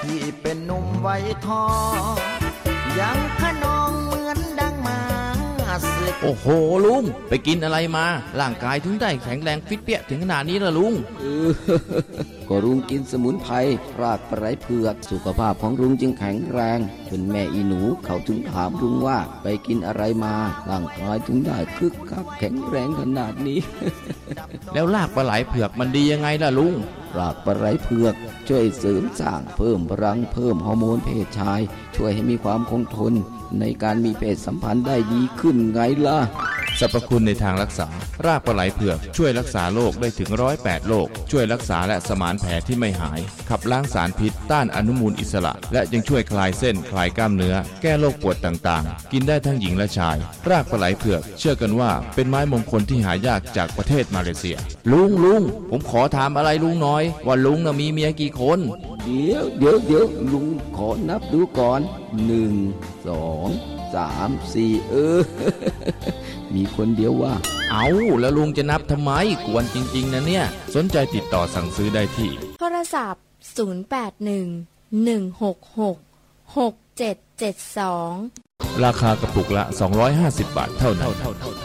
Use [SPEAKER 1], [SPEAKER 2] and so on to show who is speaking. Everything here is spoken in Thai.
[SPEAKER 1] ที่เป็นหนุ่มไว้ทองยังขนองเหมือนดังมาศึก
[SPEAKER 2] โอ้โหลุงไปกินอะไรมาร่างกายถึงได้แข็งแรงฟิตเปี้ยถึงขนาดนี้ล่ะลุง
[SPEAKER 3] ก็ลุงกินสมุนไพรรากปลาไหลเผือกสุขภาพของลุงจึงแข็งแรงจนแม่อีหนูเขาถึงถามลุงว่าไปกินอะไรมาร่างกายถึงได้คึกคักแข็งแรงขนาดนี้
[SPEAKER 2] แล้วรากปลาไหลเผือกมันดียังไงล่ะลุง
[SPEAKER 3] รากปลาไหลเผือกช่วยเสริมสร้างเพิ่มพลังเพิ่มฮอร์โมนเพศชายช่วยให้มีความคงทนในการมีเพศสัมพันธ์ได้ดีขึ้นไงล่ะ
[SPEAKER 2] สรรพคุณในทางรักษารากปลาไหลเผือกช่วยรักษาโรคได้ถึง108โรคช่วยรักษาและสมานแผลที่ไม่หายขับล้างสารพิษต้านอนุมูลอิสระและยังช่วยคลายเส้นคลายกล้ามเนื้อแก้โรคปวดต่างๆกินได้ทั้งหญิงและชายรากปลาไหลเผือกเชื่อกันว่าเป็นไม้มงคลที่หายากจากประเทศมาเลเซียลุงผมขอถามอะไรลุงน้อยว่าลุงน่ะมีเมียกี่คน
[SPEAKER 3] เดี๋ยวลุงขอนับดูก่อน1 2 3 4 มีคนเดียวว่า
[SPEAKER 2] เอาแล้วลุงจะนับทำไมกวนจริงๆนะเนี่ยสนใจติดต่อสั่งซื้อได้ที่
[SPEAKER 4] โทรศัพท์0811666772
[SPEAKER 2] ราคากระปุกละ250 บาทเท่านั้น